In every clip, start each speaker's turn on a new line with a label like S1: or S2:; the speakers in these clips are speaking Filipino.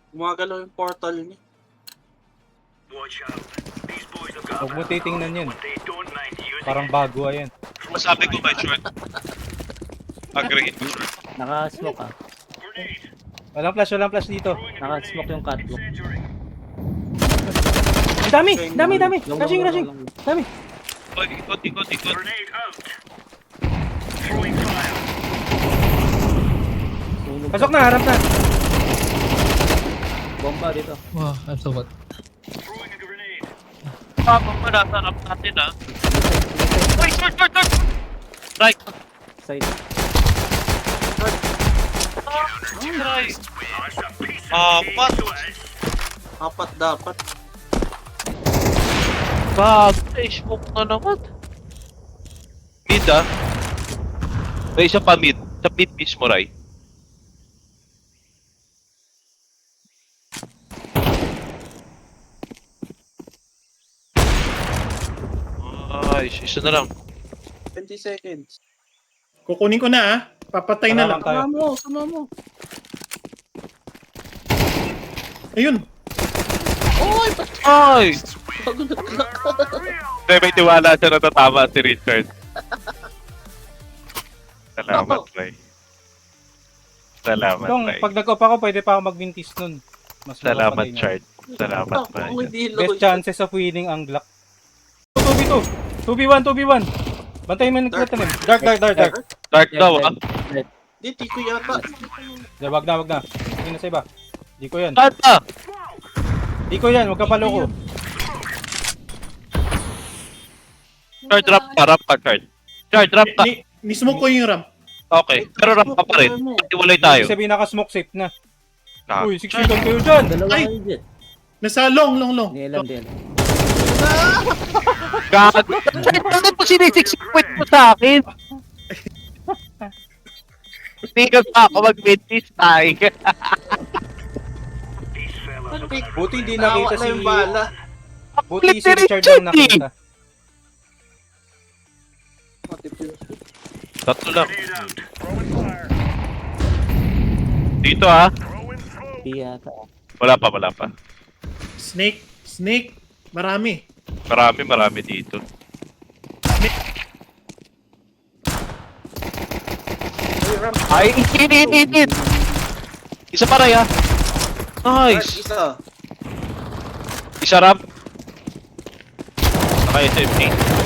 S1: Gumagalaw yung portal niya.
S2: Huwag mo titingnan yun. Parang bago ayan.
S3: Masabi ko ba, short? Agree.
S4: Naka-smoke ah.
S2: Walang flash dito.
S4: Naka-smoke yung catwalk.
S2: Ang dami. Rushing. Dami.
S3: Ikot.
S4: Sunog
S2: Pasok na, harap na.
S4: Bomba dito.
S5: Wow, I'm so hot.
S3: Papa pa natanap natin ah. Uy, short! Right!
S4: Side.
S3: Right! Apat!
S1: Apat dapat.
S3: Smoke na naman. Mid ah. May isa pa mid. Sa mid mismo, Rai. Ay, isa na lang.
S1: 20 seconds.
S6: Kukunin ko na ah. Papatay na lang.
S2: Tayo.
S1: Sama mo.
S6: Ayun.
S1: Oy!
S3: Ay!
S1: Pagulat ka.
S3: Hindi, may tiwala siya na tatama si Richard. Salamat, Ray. Salamat,
S2: Dong,
S3: Ray.
S2: pag nag-off ako, pwede pa ako mag-mintis nun. Mas
S3: Salamat,
S2: mapatay na.
S3: Chard. Salamat, Ray.
S1: Ako hindi low.
S2: Best chances of winning ang Glock. 2v1. Bantayin mo yung tanim. Dark.
S3: Dark daw, ah.
S1: Di, tiko yata.
S2: Wag na. Hindi na sa iba. Di ko yan.
S3: Tata!
S2: Huwag ka paloko.
S3: Chard, ramp ka, Chard. Chard, ramp ka.
S6: Nismoke ko yung ramp.
S3: Okay, pero ramp ka pa rin. Iwalay tayo.
S2: Ibig sabihin naka-smoke safe na.
S3: Ah.
S2: Uy, 6 feet on kayo dyan.
S4: Dalawa
S6: Ay!
S4: kayo dyan.
S6: Nasa long.
S4: Nilan din.
S3: Gago. Chard, bakit mo sinisiksik mo sa akin? Hindi ka pa ako mag-midpiece tayo.
S2: Buti hindi nakita
S1: Nawa na
S2: si...
S1: yung bala.
S2: Buti si Richard lang nakita.
S3: Tatlo lang. Dito ah.
S4: Di yata.
S3: Wala pa.
S6: Snake. Marami.
S3: Marami dito. Ay, init! Isa pa rin ah. Nice!
S1: Isa.
S3: Isa ramp. Saka SMT.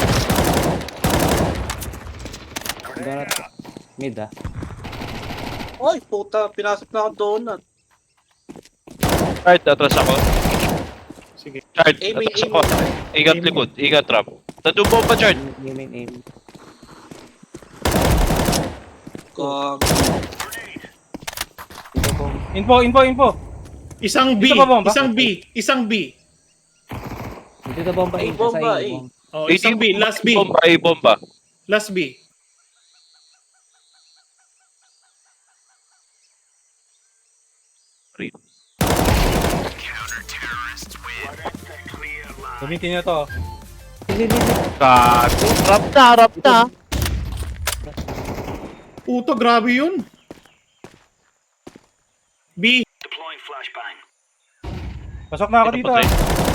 S4: Donut. Mid ah.
S1: Oy, puta. Pinasok na akong donut.
S3: Chard, atras ako.
S6: Sige.
S3: Chard,
S1: Aiming.
S3: atras ako. Ingat likod, ingat trap. Nandun po pa, Chard.
S4: Aim.
S1: Kung...
S4: Dito bomba.
S2: Info.
S6: Isang B.
S2: Dito ba bomba?
S6: Isang B.
S4: Dito bomba.
S1: Ay,
S4: Sa
S1: bomba,
S4: side,
S1: eh.
S4: bomba.
S6: Oh, isang B. Last B.
S3: Bomba.
S6: Last B.
S2: Gamitin nyo to.
S3: Gago. Rap na.
S6: Puto, grabe yun. B.
S2: Pasok na ako dito ah.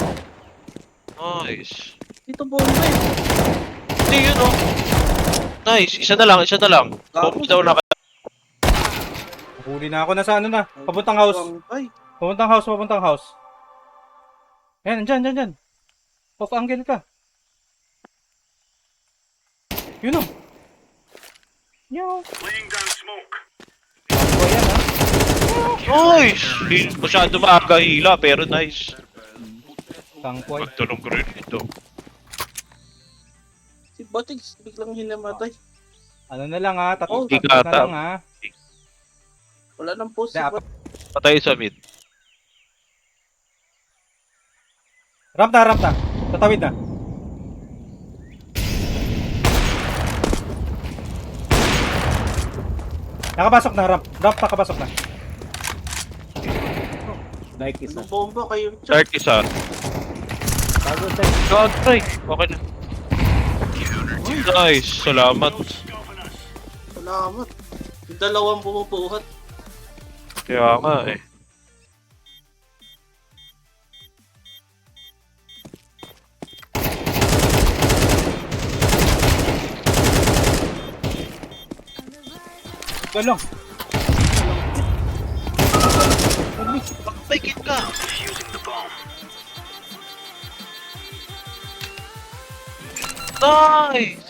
S3: Nice.
S1: Dito bomba eh.
S3: Hindi yun oh. Nice, isa na lang. Bomba daw na.
S2: Huli na ako na sa ano na. Papuntang house.
S1: Ay,
S2: Papuntang house. Ayan, dyan. Off angle ka. Yun o. Yo.
S3: Nice! Masyado maaga hila, pero nice.
S2: Tangkoy.
S3: Magtulong ko rin ito.
S1: si Batigs biglang hinamatay.
S2: Ano na lang ha. Tatlo
S1: Oh,
S2: na
S3: ikata.
S2: lang ha.
S1: Wala nang post si
S2: Dapat.
S1: Batigs.
S3: Patay sa mid.
S2: Ramp na. Tatawid na. Nakapasok na ramp. Nakapasok na.
S4: Like isa.
S1: Anong bomba kayo?
S3: Start isa.
S4: Bago side.
S3: God, try. Okay na. Nice, salamat.
S1: Salamat. 2 bumubuhat.
S3: Kaya nga eh.
S2: Ito lang.
S3: May kit ka. Nice!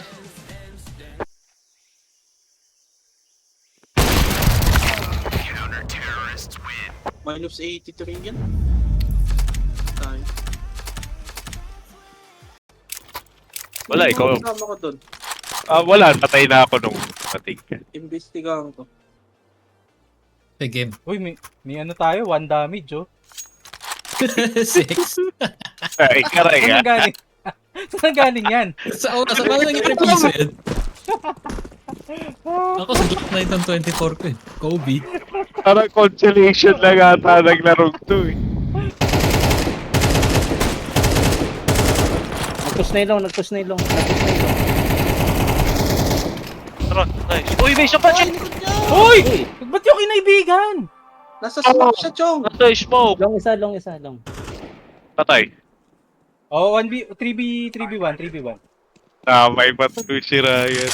S1: Minus 83 yan. Tayo.
S3: Wala, ikaw.
S1: Kasama ko dun.
S3: Wala, patay na ako nung pating ka.
S1: Imbestigahan ko.
S5: Big game.
S2: Uy, may ano tayo, 1 damage, oh.
S5: 6.
S3: Ay, karay
S2: Saan
S3: ha.
S2: galing? Saan galing yan?
S5: Sa paano nangyari piso yan? Ako sa Glock 9 ng 24 ko eh. Kobe.
S3: Parang consolation lang ata naglarong to eh.
S4: Nag-push na ilong.
S3: Tara, nice. Uy, may isa pa siya!
S2: Uy!
S4: Uy,
S2: Ba't yung kinaibigan?
S1: Nasa smoke siya, Chong.
S3: Nasa smoke.
S4: long isa.
S3: Patay.
S2: Oh, 1B, 3B1.
S3: May patuloy si Ryan.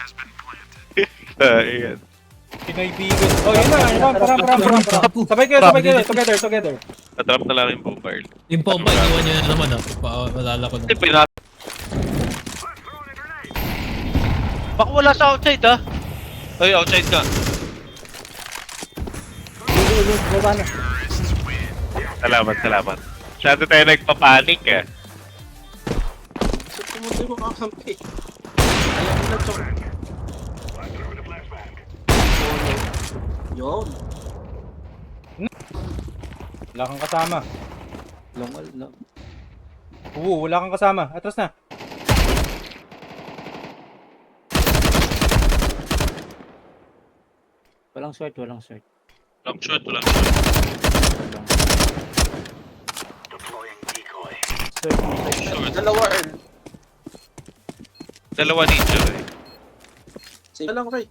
S3: Ayan.
S2: Kinaibigan. Oh, yun na. Ram. Sabay kayo. Together.
S3: Natrap na lang yung bomber.
S5: Yung pompa, iwan nyo na naman ah. Maalala ko na.
S3: Hindi, pinat... Baka wala sa outside ha? Ay, outside ka.
S4: Baba na.
S3: Salamat. Masyado tayo nagpapanik eh.
S1: So, pumunta yung kakampi. Ayaw nila, Chong. Yun.
S2: Wala kang kasama.
S4: Long.
S2: Wala kang kasama. Atras na.
S4: Walang short.
S3: Long shot.
S1: Dalawa, Earl.
S3: Dalawa ninja eh.
S1: Sige lang, Ray.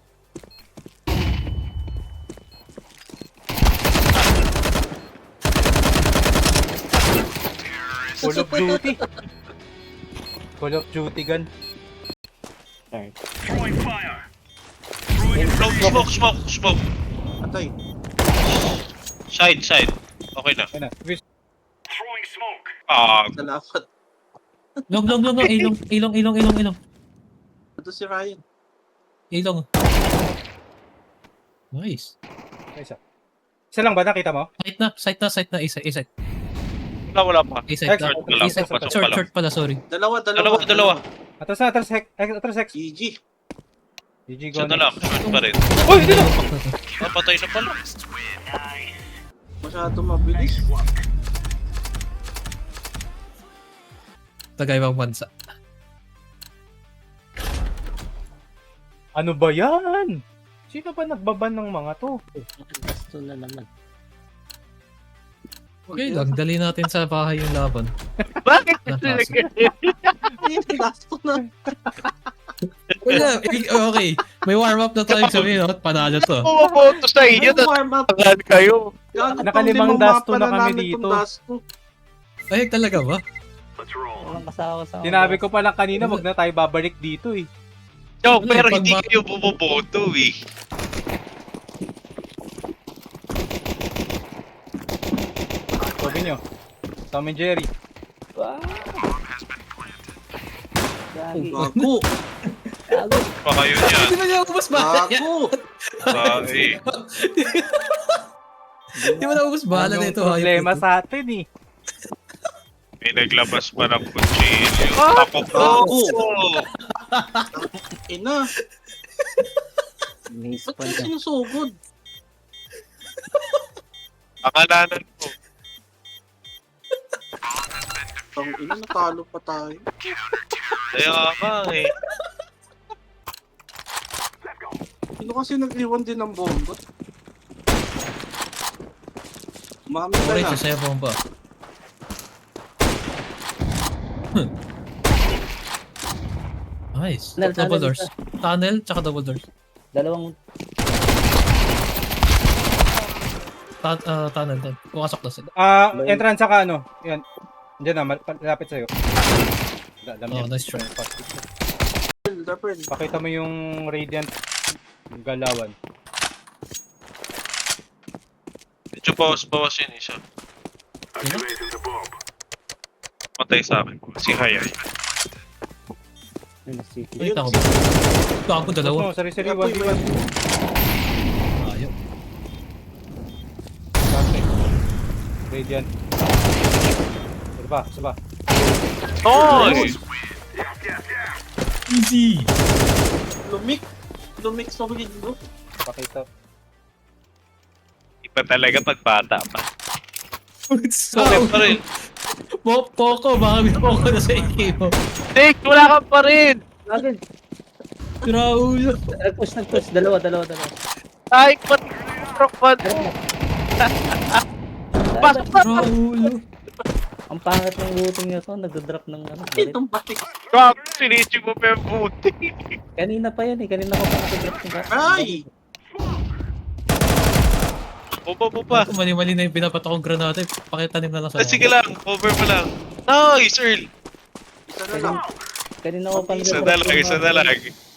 S2: Call of Duty gun.
S4: Sorry.
S3: Smoke.
S1: Atay.
S3: Side. Okay na.
S2: Ayun na.
S1: Salamat.
S5: Long. Ilong.
S1: Ito si Ryan.
S5: Ilong. Nice.
S2: Isa. Isa lang ba? Nakita mo?
S5: Sight na. Isa.
S3: Wala pa.
S5: Isa.
S3: Pasok pa lang.
S5: Short pala, sorry.
S3: Dalawa.
S2: Atras Hex.
S1: GG.
S2: GG
S3: Isa
S2: go
S3: na lang. Short pa rin.
S2: Uy, hindi na!
S3: Patay na pala.
S1: Masyado mabilis.
S5: Tagaybang bansa.
S2: Ano ba yan? Sino ba nagbaban ng mga to?
S4: Gusto na naman.
S5: Okay lang, dali natin sa bahay yung laban.
S3: Bakit?
S1: Last ko na.
S5: Wala, okay. May warm up na tayo sabihin, no? Panalo to.
S3: Pumaboto sa inyo.
S1: Warm up.
S3: Tatangan kayo.
S2: Nakalimang dasto na kami dito.
S5: Ay, talaga ba?
S4: Walang kasama.
S2: Sinabi ko pa lang kanina, wag na tayo babalik dito eh.
S3: Yo,
S5: Ano,
S3: pero
S5: pag
S3: hindi
S5: ma-
S3: kayo bumoboto eh.
S2: Sabi nyo. Tom and Jerry.
S1: Gago.
S3: Pa kayo dyan.
S5: Hindi na niya ubus ba?
S1: Gago.
S3: Sae.
S5: Hindi mo na ubus bala na
S2: Anong
S5: ito.
S2: problema sa atin eh.
S3: May naglabas pa ng kutsilyo. Ako po.
S1: Gago. Ina.
S4: Miss
S1: Ba't
S4: pa
S1: kasi
S4: niya.
S1: yung sugod?
S3: Akalanan ko.
S1: Ang ina, natalo pa tayo.
S3: Kaya nga eh.
S1: Sino kasi nag-iwan din ng bomba? Mami ka
S5: Alright,
S1: na.
S5: sasaya bomba. Nice.
S4: Tunnel,
S5: Double
S4: tunnel,
S5: doors. Tunnel, tsaka double doors.
S4: Dalawang
S5: Tunnel. Pumasok na sila.
S2: Entrance saka ano. Yan. Diyan na, lapit sa'yo.
S5: Oh, nice try.
S1: Pearl.
S2: Pakita mo yung radiant galawan.
S3: bawas yun isa. Matay sa akin. Si Haya.
S4: Ayun, city.
S5: Wait ako. Gago, dalawa.
S2: No, sari-sari,
S1: Apoy,
S2: 1v1.
S5: Ayaw.
S2: Perfect. Radiant. Isa pa.
S3: Nice!
S5: Easy!
S1: Lumik sa window.
S2: Pakita.
S3: Iba talaga pag bata pa.
S5: So,
S3: Okay pa rin.
S5: Poco, baka may Poco na sa AK mo.
S3: Nick, wala ka pa rin!
S4: Agad.
S5: Raulo.
S4: Nag-push. Dalawa.
S3: Ay, pati rock man. Pasok na!
S5: Raulo.
S4: Ang pangat ng looting niya to, nagdo-drop ng ano. barit.
S1: Itong batik.
S3: Rock, sinisig mo pa yung buti.
S4: Kanina pa yan eh, kanina ko pa nag-drop ng
S1: Ay!
S3: Bupa.
S5: Mali-mali na yung pinapatok kong granate. Pakitanim na lang sa
S3: Sige lang, over mo lang. Nice, Earl.
S1: Isa na lang.
S4: Kanina ko pa
S3: Isa na lang.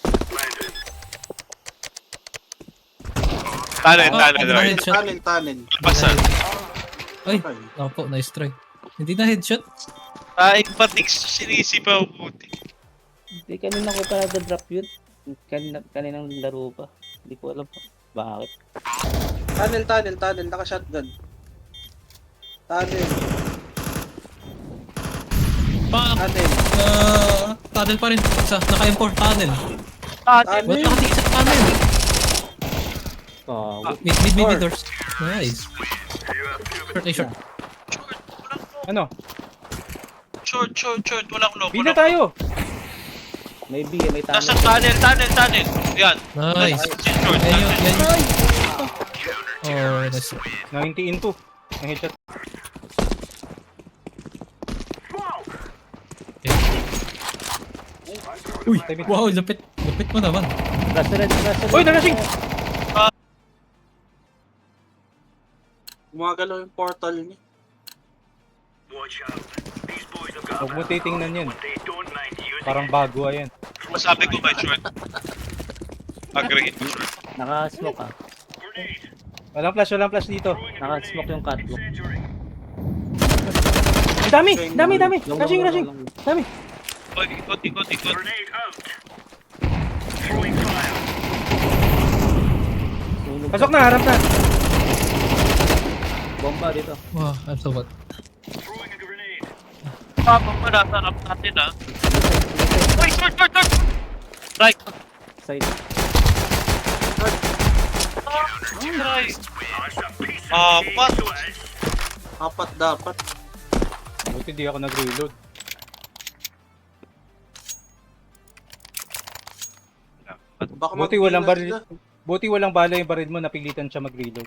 S3: Tanen.
S5: Headshot.
S1: Tanin.
S3: Lapasan.
S5: Ay,
S1: Ay.
S5: opo, nice try. Hindi na headshot.
S3: Ay, patik sinisi pa yung buti.
S4: Hindi, kanina ko pa nag-drop yun. Kaninang laro pa. Hindi ko alam bakit.
S1: Tunnel. Naka-shotgun. Tunnel.
S5: Tunnel pa rin. Isa, naka-M4, tunnel.
S3: Tanen.
S5: Ba't nakatingin sa tunnel?
S4: Oh,
S5: Mid doors. Nice. Short.
S2: Ano?
S3: Short. Walang lock.
S2: Bida tayo!
S4: may B, may
S3: Nasa
S4: tunnel.
S3: tunnel. Yan.
S5: Nice.
S3: Short.
S5: Yan yun. Oh, nice.
S2: 90 into. Ang headshot.
S5: Uy, wow, lapit mo naman.
S4: Rush.
S2: Uy, nalasing!
S1: Gumagalaw yung portal niya.
S2: Huwag mo titingnan yun. Parang bago ayan.
S3: Masabi ko kay short. Agree ko short.
S4: Naka-smoke ah.
S2: Walang flash dito.
S4: Naka-smoke yung catwalk.
S2: Dami! Rushing! Dami!
S3: Ikot.
S2: Pasok na, harap na!
S4: Bomba dito.
S5: Wow, I'm so bad.
S3: Papa pa nasa natin ah. Uy, short. Right.
S4: Side.
S3: Right.
S1: Apat dapat.
S2: Buti di ako nag-reload.
S1: Baka
S2: Buti
S1: mag-B
S2: walang
S1: na
S2: baril.
S1: sila.
S2: Buti walang bala yung baril mo, napilitan siya mag-reload.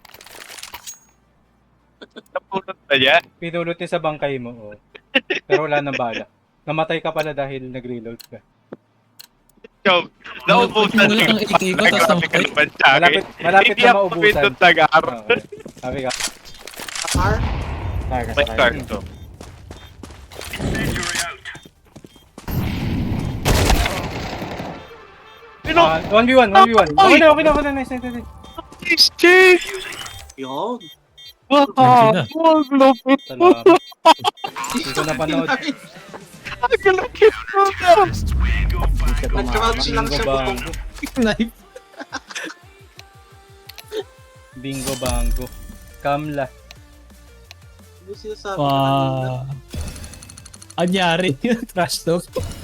S3: Napulot na niya.
S2: Pinulot niya sa bangkay mo, oh. Pero wala nang bala. Namatay ka pala dahil nag-reload ka.
S3: Joke. Naubusan
S5: Wala kang ikot, tapos namatay.
S2: Malapit na maubusan.
S3: Hindi ako tagar.
S2: Okay. Sabi ka.
S1: Car?
S3: May card to. Pino!
S2: 1v1. Okay na. Nice.
S3: Nice, Jake!
S1: Yun.
S3: Wow!
S5: Hindi na.
S3: Wow, lupit mo!
S2: Salamat. Hindi ko napanood.
S3: Ang lupit mo na!
S1: Nag-crouch lang siya butong.
S5: Knife.
S2: Bingo bango. Kamla.
S1: Ano sinasabi?
S5: Wow. Anyari yun, trash talk.